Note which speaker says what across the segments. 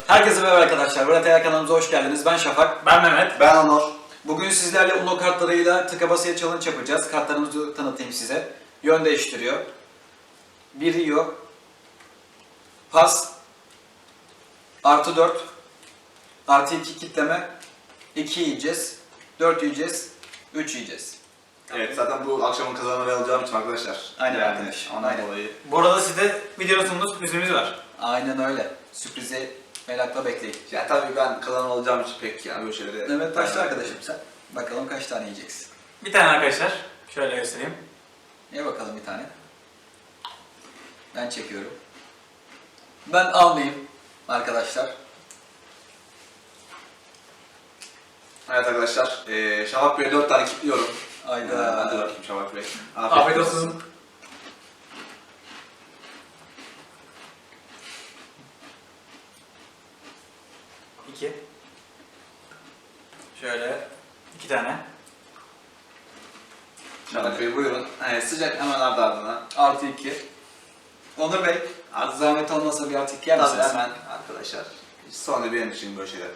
Speaker 1: Herkese merhaba arkadaşlar. Burada kanalımıza hoş geldiniz. Ben Şafak.
Speaker 2: Ben Mehmet.
Speaker 3: Ben Onur.
Speaker 1: Bugün sizlerle Uno kartlarıyla tıka basıya challenge yapacağız. Kartlarımızı tanıtayım size. Yön değiştiriyor. 1 yiyor. Pas. Artı 4. Artı 2 kitleme. 2 yiyeceğiz. 4 yiyeceğiz. 3 yiyeceğiz.
Speaker 3: Evet, zaten bu akşamın kazananı alacağım için arkadaşlar.
Speaker 1: Aynen
Speaker 3: yani,
Speaker 1: arkadaş.
Speaker 3: Ondan
Speaker 1: Aynen.
Speaker 3: dolayı.
Speaker 2: Bu arada size videonun sonunda sürprizimiz var.
Speaker 1: Aynen öyle. Sürprizi merakla bekleyin.
Speaker 3: Ya tabii ben kazanan olacağım için pek yani böyle şeylere...
Speaker 1: Evet başla arkadaşım sen. Bakalım kaç tane yiyeceksin.
Speaker 2: Bir tane arkadaşlar. Şöyle göstereyim.
Speaker 1: Ye bakalım bir tane. Ben çekiyorum. Ben almayayım arkadaşlar.
Speaker 3: Evet arkadaşlar, Şafak Bey'e 4 tane kilitliyorum.
Speaker 1: Ayda.
Speaker 3: Hadi bakayım Şafak Bey.
Speaker 2: Afiyet olsun. İki. Şöyle 2 tane.
Speaker 3: Şafak Bey buyurun. Sıcak hemen ardı ardına.
Speaker 1: Artı 2. Onur Bey, artı zahmet olmasa bir artı 2 yer
Speaker 3: Tabii
Speaker 1: misiniz?
Speaker 3: hemen arkadaşlar. Sonra benim için böyle şeyler.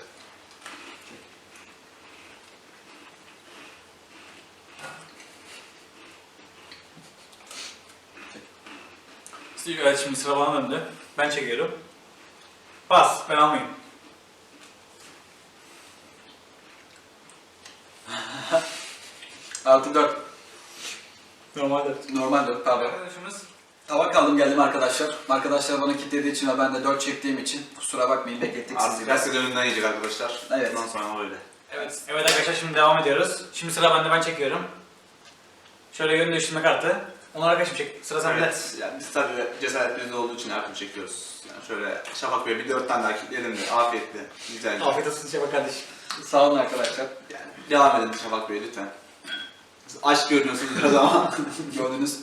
Speaker 2: Evet, şimdi sıra bana döndü. Ben çekiyorum. Bas, ben almayayım.
Speaker 1: Artı 4.
Speaker 2: Normalde.
Speaker 1: Normal 4 pardon.
Speaker 2: Arkadaşımız
Speaker 1: Tabak aldım geldim arkadaşlar. Arkadaşlar bana kilitlediği için ve ben de 4 çektiğim için kusura bakmayın beklettik sizi
Speaker 3: Artık
Speaker 1: biraz.
Speaker 3: herkes önünden yiyecek arkadaşlar.
Speaker 1: Evet.
Speaker 3: Bundan sonra öyle.
Speaker 2: Evet. Evet arkadaşlar, şimdi devam ediyoruz. Şimdi sıra bende, ben çekiyorum. Şöyle yön değiştirme kartı. Onu arkadaşım çek. Sıra sende.
Speaker 3: Evet, yani biz tabii cesaret bizde olduğu için her türlü çekiyoruz. Yani şöyle Şafak Bey'e bir 4 tane daha kilitleyelim de afiyetli, güzel.
Speaker 2: Afiyet olsun Şafak kardeşim.
Speaker 1: Sağ olun arkadaşlar.
Speaker 3: Yani devam edin Şafak Bey lütfen. Siz aşk görünüyorsunuz biraz ama.
Speaker 1: Gördünüz.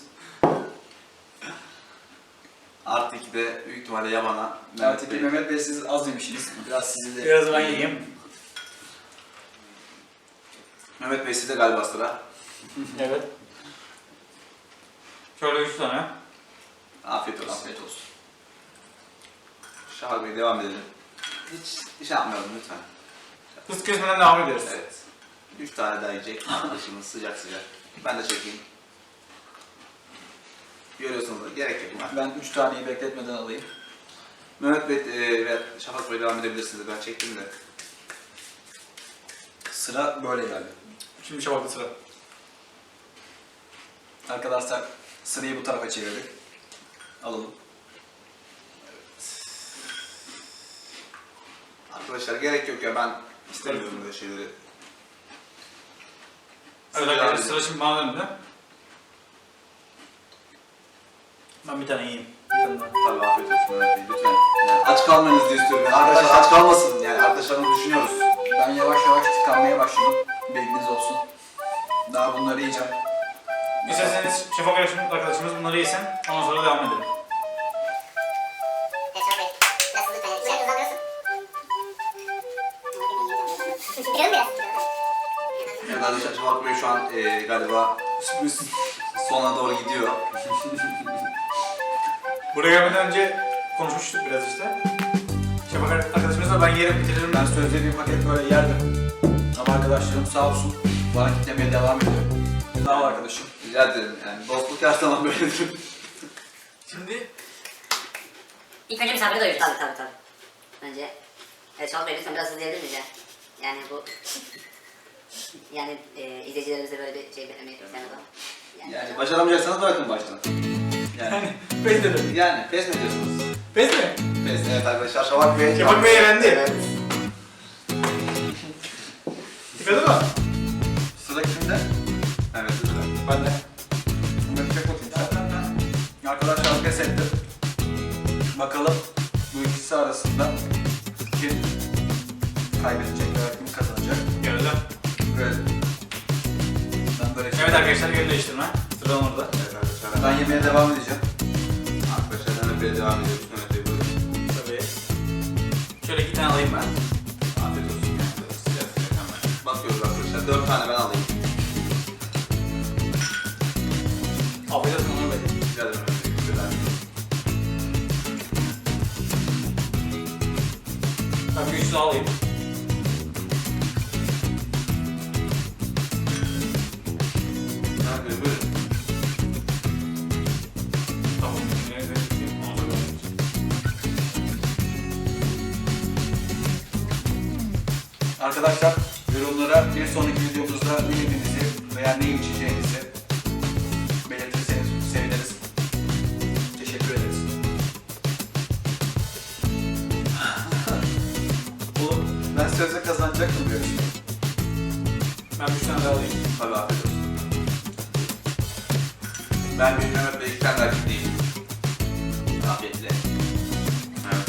Speaker 3: Artı 2 de büyük ihtimalle Yaman'a.
Speaker 1: Artı 2 Mehmet Bey siz az yemişsiniz. Biraz sizi de...
Speaker 2: Biraz ben yiyeyim.
Speaker 3: Mehmet Bey sizde galiba sıra.
Speaker 2: Evet. Şöyle 3 tane.
Speaker 3: Afiyet olsun.
Speaker 1: Afiyet olsun.
Speaker 3: Şafak Bey devam edelim. Hiç şey yapmayalım lütfen.
Speaker 2: Hız kesmeden devam ediyoruz.
Speaker 3: Evet. 3 tane daha yiyecek arkadaşımız sıcak sıcak. Ben de çekeyim. Görüyorsunuz da gerek yok.
Speaker 1: Ben 3 taneyi bekletmeden alayım.
Speaker 3: Mehmet Bey ve Şafak Bey devam edebilirsiniz. Ben çektim de.
Speaker 1: Sıra böyle geldi.
Speaker 2: Şimdi Şafak'ta sıra.
Speaker 1: Arkadaşlar sırayı bu tarafa çevirdik. Alalım.
Speaker 3: Arkadaşlar gerek yok ya, ben istemiyorum böyle şeyleri.
Speaker 2: Evet arkadaşlar, sıra şimdi bana döndü. Ben bir tane yiyeyim. Bir tane daha.
Speaker 3: Tabii afiyet olsun Mehmet Bey lütfen. Yani aç kalmayınız diye istiyorum. Yani arkadaşlar aç kalmasın. Yani arkadaşlarımızı düşünüyoruz.
Speaker 1: Ben yavaş yavaş tıkanmaya başladım. Bilginiz olsun. Daha bunları yiyeceğim.
Speaker 2: İsterseniz Şafak arkadaşımız bunları yesin. Ondan sonra devam edelim.
Speaker 4: Şafak Bey, nasıl lütfen? İçeride uzanıyorsun. Çıkalım biraz.
Speaker 3: Evet arkadaşlar Şafak Bey şu an galiba sürpriz sona doğru gidiyor.
Speaker 2: Buraya gelmeden önce konuşmuştuk biraz işte. Şafak arkadaşımızla ben yerim bitiririm.
Speaker 1: Ben sözde bir paket böyle yerdim. Ama arkadaşlarım sağ olsun bana kitlemeye devam ediyor. Sağ ol arkadaşım.
Speaker 3: Rica ederim yani dostluk her zaman böyledir.
Speaker 2: Şimdi
Speaker 4: İlk önce misafiri doyuracağız. Tabii. Önce, evet Şafak Bey lütfen biraz hızlı yiyebilir miyiz ya? Yani bu... yani izleyicilerimize böyle bir şey beklemeyi istemez ama.
Speaker 3: Yani başaramayacaksanız bırakın baştan.
Speaker 2: yani pes dedim.
Speaker 3: Yani pes mi diyorsunuz?
Speaker 2: Pes mi?
Speaker 3: Pes, evet arkadaşlar Şafak Bey.
Speaker 2: Şafak Bey yendi.
Speaker 3: Evet.
Speaker 2: Tıkadı mı?
Speaker 1: Sıra kimde?
Speaker 3: Evet lütfen.
Speaker 2: Ben de.
Speaker 1: Ben çek bakayım sen. Arkadaşlar pes ettim. Bakalım bu ikisi arasında kim kaybedecek veya kim kazanacak?
Speaker 2: Gördüm.
Speaker 1: Böyle. Ben böyle
Speaker 2: Evet arkadaşlar, yön değiştirme. Sıra orada.
Speaker 3: Evet arkadaşlar.
Speaker 1: Ben yemeye devam edeceğim.
Speaker 3: Arkadaşlar Mehmet Bey'e devam ediyoruz. Mehmet Bey buyurun.
Speaker 2: Tabii. Şöyle 2 tane alayım ben.
Speaker 3: Afiyet olsun. Yani. Sıcak sıcak hemen. Bakıyoruz arkadaşlar. 4 tane ben alayım.
Speaker 2: Afiyet olsun Onur Bey.
Speaker 3: Rica ederim Mehmet Bey. Güzel.
Speaker 2: Ben bir üstüne alayım.
Speaker 3: Abi buyurun.
Speaker 2: Tamam. Ondan sonra
Speaker 1: Arkadaşlar yorumlara bir sonraki videomuzda ne yediğinizi veya ne içeceğinizi belirtirseniz seviniriz. Teşekkür ederiz. Oğlum ben sözde kazanacaktım bu yarışmayı.
Speaker 2: ben bir tane daha alayım.
Speaker 3: Tabii afiyet olsun. Ben bir Mehmet Bey 2 tane daha kitleyeyim. Afiyetle. Evet.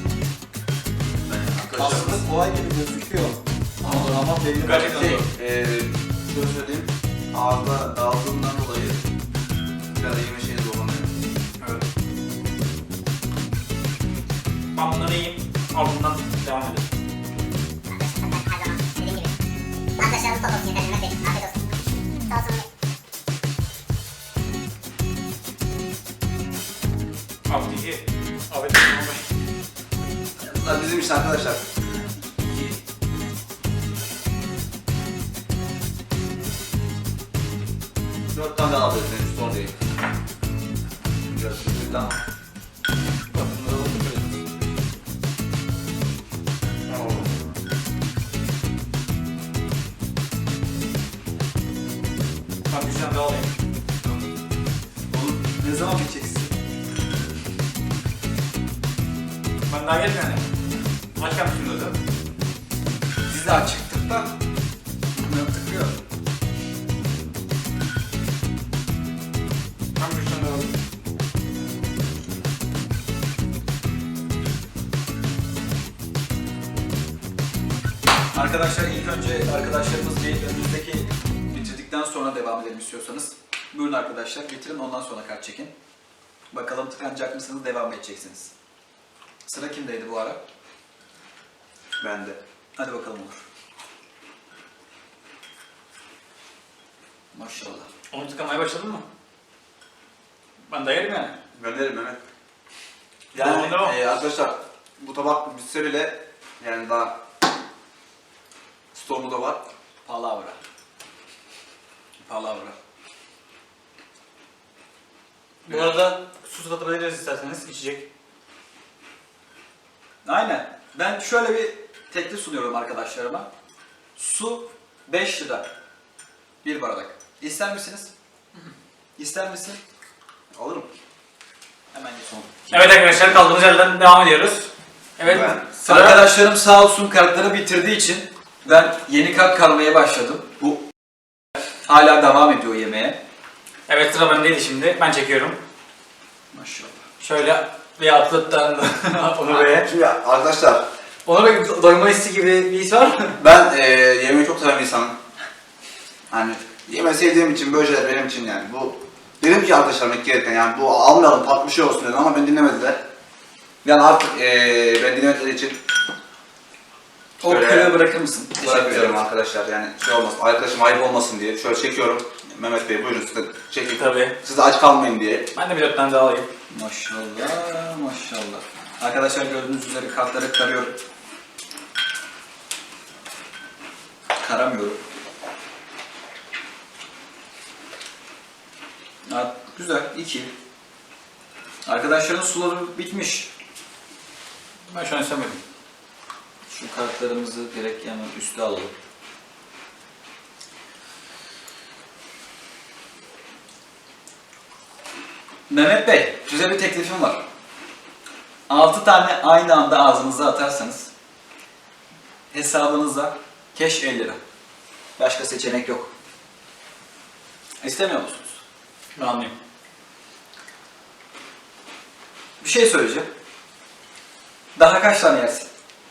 Speaker 3: Ben arkadaşlar
Speaker 1: Aslında kolay gibi gözüküyor. Ama belli
Speaker 2: Gerçekten
Speaker 3: şey,
Speaker 2: zor.
Speaker 3: şöyle söyleyeyim. Ağızda dağıldığından dolayı biraz yeme şeyi zorlanıyor.
Speaker 2: Evet. Ben bunları yiyeyim. Ardından devam edelim.
Speaker 4: Arkadaşlar bu top olsun yeter. Mehmet Bey. Afiyet olsun. Sağ olsun.
Speaker 2: Abi iyi. Abi tamam.
Speaker 3: Bunlar bizim için arkadaşlar. 4 tane daha alıyoruz henüz son değil. Görüşürüz. Tamam.
Speaker 2: Bak bunları alalım böyle. Ben bir tane daha alayım.
Speaker 1: Oğlum ne zaman biteceksin?
Speaker 2: Ben daha gelmiyor yani. Aç yapmışım zaten.
Speaker 1: Biz de açıktık da bunu tıkıyor.
Speaker 2: Ben bir tane daha alayım.
Speaker 1: Arkadaşlar ilk önce arkadaşlarımız bir önümüzdeki bitirdikten sonra devam edelim istiyorsanız. Buyurun arkadaşlar bitirin ondan sonra kart çekin. Bakalım tıkanacak mısınız devam edeceksiniz. Sıra kimdeydi bu ara?
Speaker 3: Ben de.
Speaker 1: Hadi bakalım olur. Maşallah.
Speaker 2: Onu tıkamaya başladın mı? Ben de yerim yani.
Speaker 3: Gönderim Mehmet.
Speaker 2: Devam, devam.
Speaker 3: Arkadaşlar bu tabak bitse bile yani daha stoğumuzda var.
Speaker 1: Palavra. Palavra.
Speaker 2: Bu arada su satabiliriz isterseniz içecek.
Speaker 1: Aynen. Ben şöyle bir teklif sunuyorum arkadaşlarıma. Su 5 lira. Bir bardak. İster misiniz? İster misin?
Speaker 3: Alırım.
Speaker 1: Hemen son.
Speaker 2: Evet arkadaşlar kaldığımız yerden devam ediyoruz. Evet
Speaker 3: Ben-
Speaker 2: sıra
Speaker 1: Arkadaşlarım sağ olsun kartları bitirdiği için ben yeni kart karmaya başladım. Bu hala devam ediyor yemeğe.
Speaker 2: Evet sıra bendeydi şimdi. Ben çekiyorum.
Speaker 1: Maşallah.
Speaker 2: Şöyle bir atlıktan Onur Bey'e.
Speaker 3: Şimdi arkadaşlar
Speaker 2: Onur Bey doyma hissi gibi bir his var mı?
Speaker 3: ben yemeği çok seven bir insanım. Hani yemeği sevdiğim için böyle şeyler benim için yani bu dedim ki arkadaşlarım gereken yani bu almayalım tatlı bir şey olsun dedim ama beni dinlemediler. Yani artık ben dinlemedikleri için
Speaker 1: O
Speaker 3: şöyle
Speaker 1: kırığı bırakır mısın? Teşekkür
Speaker 3: bırakıyorum
Speaker 1: ederim.
Speaker 3: arkadaşlar yani şey olmasın arkadaşım ayıp olmasın diye şöyle çekiyorum. Mehmet Bey buyurun siz de çekin.
Speaker 2: Tabii.
Speaker 3: Siz de aç kalmayın diye.
Speaker 2: Ben de bir 4 tane daha alayım.
Speaker 1: Maşallah, maşallah. Arkadaşlar gördüğünüz üzere kartları karıyorum. Karamıyorum. Ha, güzel, 2. Arkadaşların suları bitmiş.
Speaker 2: Ben şu an istemedim.
Speaker 1: Şu kartlarımızı direkt hemen üste alalım. Mehmet Bey, size bir teklifim var. 6 tane aynı anda ağzınıza atarsanız hesabınıza keş 50 lira. Başka seçenek yok. İstemiyor musunuz?
Speaker 2: Ben anlayayım.
Speaker 1: Bir şey söyleyeceğim. Daha kaç tane yersin?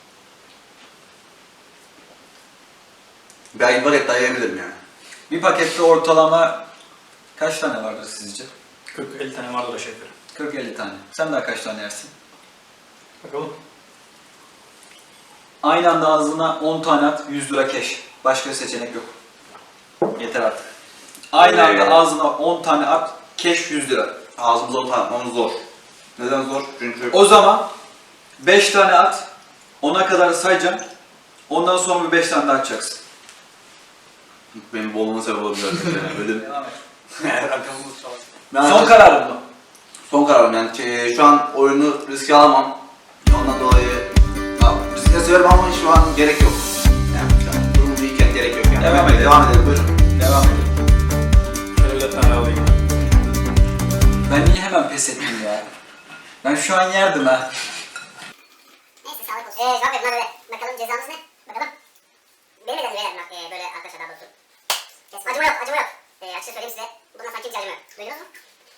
Speaker 3: Ben var et dayayabilirim yani.
Speaker 1: Bir pakette ortalama kaç tane vardır sizce?
Speaker 2: 40-50 tane vardır aşağı yukarı.
Speaker 1: 40-50 tane. Sen daha kaç tane yersin?
Speaker 2: Bakalım.
Speaker 1: Aynı anda ağzına 10 tane at, 100 lira keş. Başka seçenek yok. Yeter artık. Aynı anda ağzına 10 tane at, keş 100 lira.
Speaker 3: Ağzımıza oturtmamız zor. Neden zor? Çünkü
Speaker 1: O zaman 5 tane at, 10'a kadar sayacağım. Ondan sonra bir 5 tane daha açacaksın.
Speaker 3: Benim bolluğuma sebep olabilir. Yani böyle
Speaker 2: Devam et. Rakamımız çalsın.
Speaker 3: Ben
Speaker 1: Son kararım mı?
Speaker 3: son kararım yani şu an oyunu riske alamam. Ondan dolayı ya, riske severim ama şu an gerek yok. Yani şu an durum iyiyken gerek yok yani.
Speaker 1: Devam edelim.
Speaker 3: Devam edelim buyurun.
Speaker 1: Devam edelim.
Speaker 2: Şöyle bir 4 tane daha alayım.
Speaker 1: Ben niye hemen pes ettim ya? Ben şu an yerdim ha.
Speaker 4: Neyse sağlık olsun. Cevap verin hadi. Bakalım cezamız ne? Bakalım. Benim de beyler bak böyle arkadaşlar daha doğrusu. Acıma yok, acıma yok. Açıkça söyleyeyim size. Bundan sanki hiç acıma yok. Duydunuz mu?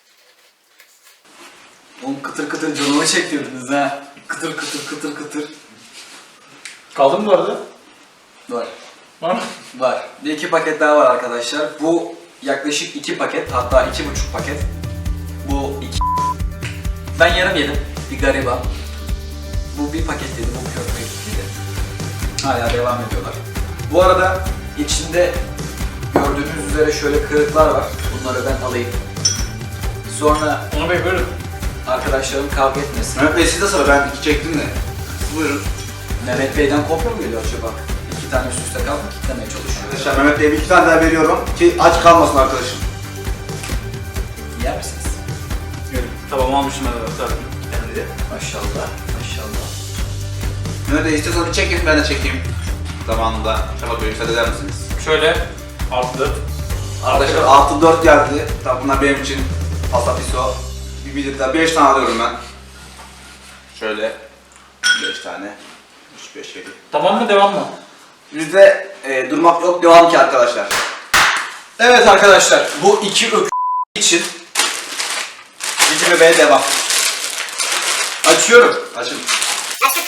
Speaker 1: Oğlum kıtır kıtır canımı çektirdiniz ha. Kıtır kıtır kıtır kıtır.
Speaker 2: Kaldı mı bu arada?
Speaker 1: Var.
Speaker 2: Var mı?
Speaker 1: Var. Bir 2 paket daha var arkadaşlar. Bu yaklaşık 2 paket, hatta 2,5 paket. Bu 2. Ben yarım yedim. Bir gariban. Bu bir paket yedi, bu köfte yedi. Hala devam ediyorlar. Bu arada içinde gördüğünüz üzere şöyle kırıklar var. Bunları ben alayım. Sonra
Speaker 2: Onu Bey buyurun.
Speaker 1: arkadaşlarım kavga etmesin.
Speaker 3: Mehmet Bey siz de sıra ben 2 çektim de. Buyurun.
Speaker 1: Mehmet Bey'den kopya mı geliyor acaba? 2 tane üst üste kaldı, kitlemeye çalışıyor.
Speaker 3: Arkadaşlar Mehmet Bey'e bir 2 tane daha veriyorum ki aç kalmasın arkadaşım.
Speaker 1: Yer misiniz?
Speaker 2: Tamam almışım hadi zaten. Kendi.
Speaker 1: Maşallah, maşallah.
Speaker 3: Mehmet Bey istiyorsanız bir çekin ben de çekeyim. Zamanında Şafak Bey müsaade eder misiniz?
Speaker 2: Şöyle artı 4.
Speaker 3: Arkadaşlar artı 4 geldi. Tabi bunlar benim için pasta piso. Bir bilirler 5 tane alıyorum ben. Şöyle 5 tane. 3, 5, 7.
Speaker 2: Tamam mı devam mı?
Speaker 3: Bizde durmak yok devam ki arkadaşlar.
Speaker 1: Evet arkadaşlar, bu 2 için Cici Bebe'ye devam. Açıyorum.
Speaker 3: Açın.
Speaker 4: Açtık.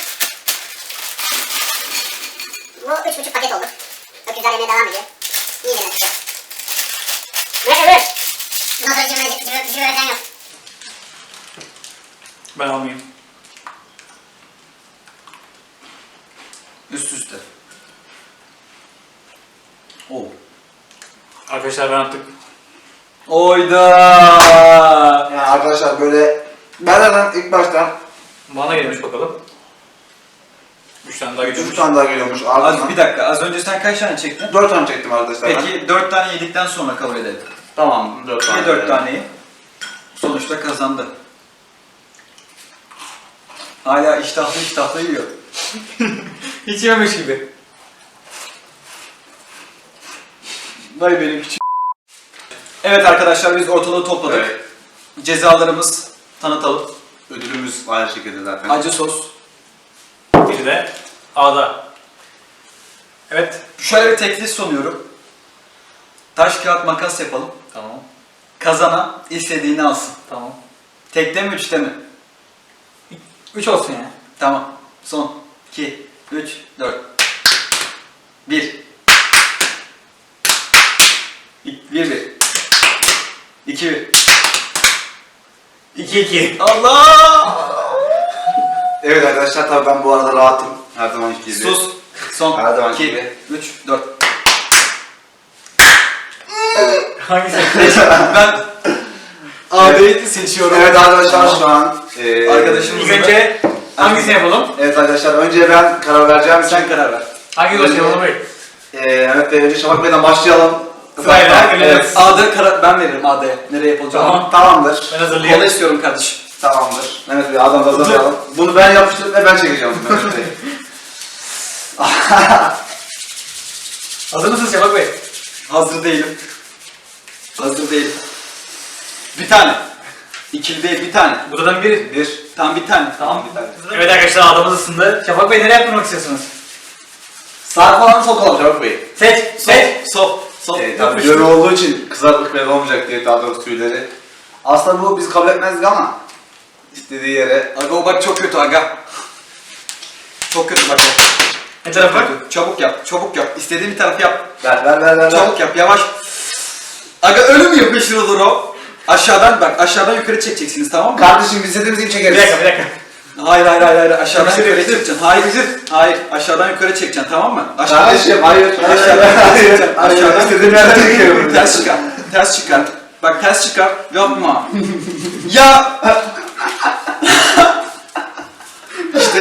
Speaker 4: Bu 3,5 paket oldu. Öküzler yemeye devam ediyor. İyi demek ki. Buyur buyur. Bundan sonra cimri öğreten yok.
Speaker 2: Ben almayayım.
Speaker 1: Üst üste. Oo.
Speaker 2: Arkadaşlar ben artık
Speaker 1: Oyda.
Speaker 3: Yani arkadaşlar böyle ben hemen ilk baştan
Speaker 2: bana gelmiş bakalım. 3 tane daha
Speaker 3: 3
Speaker 2: gidiyormuş.
Speaker 3: tane daha geliyormuş
Speaker 1: Az
Speaker 3: ardından.
Speaker 1: bir dakika, az önce sen kaç tane çektin?
Speaker 3: 4 tane çektim arkadaşlar. ben.
Speaker 1: Peki 4 tane yedikten sonra kabul edelim.
Speaker 3: Tamam 4 tane.
Speaker 1: Ye 4 taneyi. Sonuçta kazandı. Hala iştahlı yiyor.
Speaker 2: Hiç yememiş gibi.
Speaker 1: Vay benim küçük. Evet arkadaşlar, biz ortalığı topladık.
Speaker 3: Evet.
Speaker 1: Cezalarımız tanıtalım.
Speaker 3: Ödülümüz aynı şekilde zaten.
Speaker 1: Acı sos.
Speaker 2: Biri de A'da. Evet.
Speaker 1: Şöyle bir teklif sunuyorum. Taş kağıt makas yapalım.
Speaker 2: Tamam.
Speaker 1: Kazanan istediğini alsın.
Speaker 2: Tamam.
Speaker 1: Tekte mi, üçte mi?
Speaker 2: 3 olsun ya.
Speaker 1: Tamam. Son. 2, 3, 4. 1. 1. 2, 1.
Speaker 2: 2-2.
Speaker 1: Allah!
Speaker 3: Evet arkadaşlar tabii ben bu arada rahatım. Her zaman gibi.
Speaker 1: Sus. Son.
Speaker 3: Her zaman
Speaker 1: 2,
Speaker 3: gibi.
Speaker 1: 3, 4.
Speaker 2: Hangisi?
Speaker 1: Ben AB'yi seçiyorum.
Speaker 3: Evet arkadaşlar şu an
Speaker 1: Arkadaşımız-
Speaker 2: İlk önce hangisini yapalım?
Speaker 3: Evet arkadaşlar önce ben karar vereceğim için
Speaker 1: Sen karar ver.
Speaker 2: Hangi dosya yapalım Bey?
Speaker 3: Evet Bey önce Şafak Bey'den başlayalım.
Speaker 2: Sırayla
Speaker 3: Evet.
Speaker 2: geliyoruz.
Speaker 1: A'da karar ben veririm A'da. Nereye yapılacağını.
Speaker 2: Tamam.
Speaker 3: Tamamdır.
Speaker 2: Ben
Speaker 1: Kola
Speaker 2: hazırlayayım.
Speaker 1: istiyorum kardeşim.
Speaker 3: Tamamdır. Mehmet Bey adam da hazırlayalım. Bunu ben yapıştırıp ve ben çekeceğim Mehmet Bey.
Speaker 2: Hazır mısınız Şafak Bey?
Speaker 1: Hazır değilim. Hazır değilim. Bir tane. İkili değil, bir tane.
Speaker 2: Buradan biri.
Speaker 3: Bir.
Speaker 1: Tam bir tane.
Speaker 2: Tamam.
Speaker 3: Bir tane.
Speaker 2: Evet arkadaşlar adamız ısındı. Şafak Bey nereye yaptırmak istiyorsunuz?
Speaker 3: Sağ falan sol kalalım Şafak Bey.
Speaker 2: Seç. Seç.
Speaker 1: Sol. Sol.
Speaker 3: Tabii
Speaker 2: Yapıştır.
Speaker 3: göre olduğu için kızartlık belli olmayacak diye daha doğrusu tüyleri. Aslında bu biz kabul etmezdik ama istediği yere.
Speaker 1: Aga o bak çok kötü aga. Çok kötü bak o.
Speaker 2: Ne taraf var?
Speaker 1: Kötü. Çabuk yap, çabuk yap. İstediğin bir tarafı yap.
Speaker 3: Ver.
Speaker 1: Çabuk yap, yavaş. Aga ölüm yapıştırılır o. Aşağıdan bak, aşağıdan yukarı çekeceksiniz tamam mı?
Speaker 3: Kardeşim biz istediğimiz gibi
Speaker 2: Bir
Speaker 3: çekeriz.
Speaker 2: dakika.
Speaker 1: Hayır. Aşağıdan
Speaker 2: Yapıştır,
Speaker 1: yukarı
Speaker 2: yapıştır.
Speaker 1: çekeceksin. Hayır. Aşağıdan yukarı çekeceksin tamam mı?
Speaker 3: Kardeşim hayır.
Speaker 1: Aşağıdan
Speaker 3: İstediğim yerden çekiyorum.
Speaker 1: Ters çıkar. Bak ters çıkar. Yapma. Ya. İşte insanın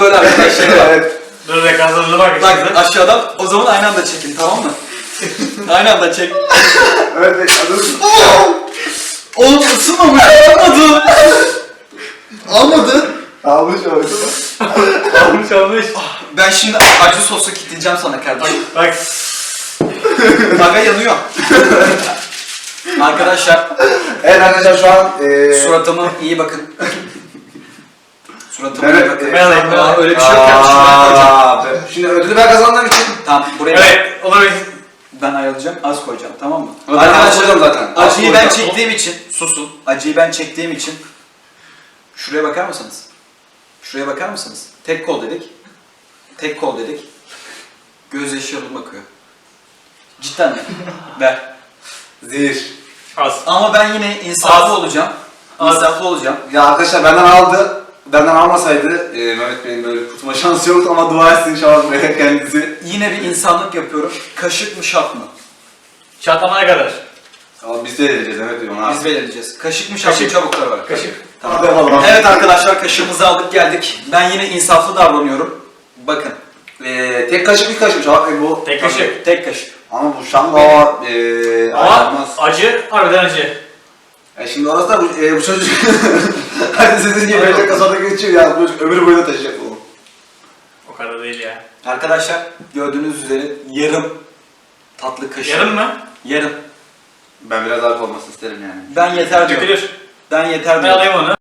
Speaker 1: böyle arkadaşlar.
Speaker 3: Evet.
Speaker 2: Dur bir dakika hazırlığı bak.
Speaker 1: Bak aşağıdan o zaman aynı anda çekin tamam mı? Aynı anda çek.
Speaker 3: Evet. Hazır.
Speaker 1: Oğlum ısınmamış. Almadı. Almadı.
Speaker 3: Almış oldu.
Speaker 2: Olmuş olmuş.
Speaker 1: Ben şimdi acı sosu kitleyeceğim sana kardeşim.
Speaker 2: Bak.
Speaker 1: Aga yanıyor. Arkadaşlar
Speaker 3: Evet arkadaşlar şu an
Speaker 1: suratıma iyi bakın. Suratıma iyi
Speaker 3: Evet,
Speaker 1: bakın.
Speaker 2: ben alayım, ben
Speaker 1: Aa,
Speaker 2: alayım.
Speaker 1: öyle bir şey yok ya. Şuraya koyacağım.
Speaker 3: Şimdi ödülü ben kazandığım için
Speaker 1: Tamam buraya
Speaker 2: Evet olur.
Speaker 1: ben ayarlayacağım. Az koyacağım tamam mı?
Speaker 3: Ben az koyacağım zaten. Az
Speaker 1: Acıyı ben
Speaker 3: koyacağım.
Speaker 1: çektiğim için susun. Acıyı ben çektiğim için şuraya bakar mısınız? Şuraya bakar mısınız? Tek kol dedik. Tek kol dedik. Gözyaşı yolum bakıyor. Cidden mi? Ver.
Speaker 3: zehir.
Speaker 2: Az.
Speaker 1: Ama ben yine insaflı
Speaker 2: Az.
Speaker 1: olacağım.
Speaker 2: Az.
Speaker 1: İnsaflı olacağım.
Speaker 3: Ya arkadaşlar benden aldı. Benden almasaydı Mehmet Bey'in böyle kurtulma şansı yoktu ama dua etsin inşallah böyle kendisi.
Speaker 1: Yine bir insanlık yapıyorum. Kaşık mı şap mı?
Speaker 2: Çatlamaya kadar.
Speaker 3: Ama biz de edeceğiz Mehmet Bey ona.
Speaker 1: Biz belirleyeceğiz. Kaşık mı şap mı
Speaker 2: Kaşık.
Speaker 1: çabuklar var.
Speaker 2: Kaşık.
Speaker 3: Hadi bakalım.
Speaker 1: Evet arkadaşlar kaşığımızı aldık geldik. Ben yine insaflı davranıyorum. Bakın.
Speaker 3: Tek kaşık bir kaşık. Şabak Bey bu.
Speaker 2: Tek kaşık.
Speaker 1: Tek kaşık.
Speaker 3: Ama bu şamba
Speaker 2: Ama
Speaker 3: ayarlanmaz.
Speaker 2: acı, harbiden acı.
Speaker 3: Şimdi orası da bu çocuk. Hadi sizin gibi verecek kasada geçiyor ya. Bu çocuk ömür boyu da taşıyacak bunu.
Speaker 2: O kadar değil ya.
Speaker 1: Arkadaşlar gördüğünüz üzere yarım tatlı kaşık.
Speaker 2: Yarın mı?
Speaker 1: Yarım.
Speaker 3: Ben biraz daha olmasını isterim yani.
Speaker 1: Ben yeter diyorum.
Speaker 2: Dökülür.
Speaker 1: Ben yeter
Speaker 2: Ben
Speaker 1: diyorum.
Speaker 2: alayım onu.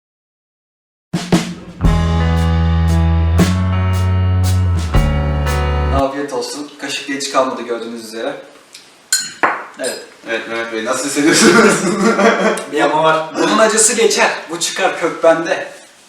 Speaker 1: Afiyet olsun. Kaşık geç kalmadı gördüğünüz üzere. Evet.
Speaker 3: Evet Mehmet Bey nasıl hissediyorsunuz?
Speaker 2: Bir yapma var.
Speaker 1: Bunun acısı geçer. Bu çıkar kök bende.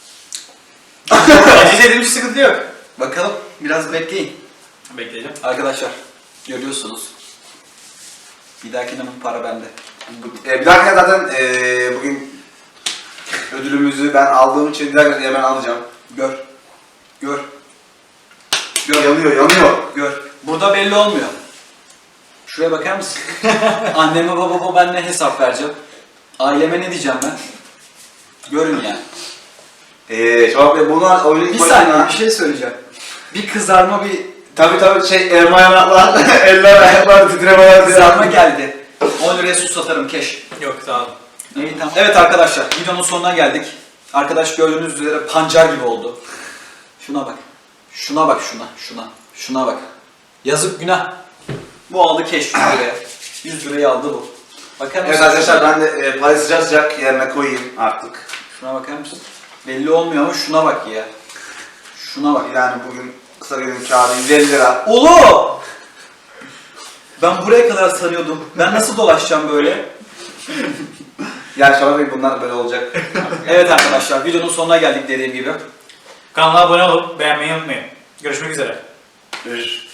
Speaker 2: Acı dediğim hiç sıkıntı yok.
Speaker 1: Bakalım biraz bekleyin.
Speaker 2: Bekleyeceğim.
Speaker 1: Arkadaşlar görüyorsunuz. Bir dahakine bu para bende.
Speaker 3: Bir dahakine zaten bugün ödülümüzü ben aldığım için bir dahakine ben alacağım.
Speaker 1: Gör. Gör. Gör.
Speaker 3: Yanıyor.
Speaker 1: Gör. Burada belli olmuyor. Şuraya bakar mısın? Anneme babama ben ne hesap vereceğim? Aileme ne diyeceğim ben? Görün ya.
Speaker 3: Şabak Bey bunu oyunu
Speaker 1: Bir saniye bir şey söyleyeceğim. Bir kızarma
Speaker 3: Tabii elma yanaklar, eller ayaklar titremeler.
Speaker 1: kızarma geldi. 10 liraya su satarım keş.
Speaker 2: Yok sağ ol.
Speaker 1: İyi tamam. Evet arkadaşlar videonun sonuna geldik. Arkadaş gördüğünüz üzere pancar gibi oldu. Şuna bak. Şuna bak şuna. Şuna bak. Yazık günah. Bu aldı keş 100 liraya. 100 lirayı aldı bu. Bakar mısın?
Speaker 3: Evet arkadaşlar ben de parayı sıcak sıcak yerine koyayım artık.
Speaker 1: Şuna bakar mısın? Belli olmuyor ama şuna bak ya. Şuna bak.
Speaker 3: Yani bugün kısa günün kârı 150 lira.
Speaker 1: Oğlum! Ben buraya kadar sanıyordum. Ben nasıl dolaşacağım böyle?
Speaker 3: Yani Şabak Bey bunlar böyle olacak.
Speaker 1: Evet arkadaşlar videonun sonuna geldik dediğim gibi.
Speaker 2: Kanala abone olup beğenmeyi unutmayın. Görüşmek üzere.
Speaker 3: Görüşürüz.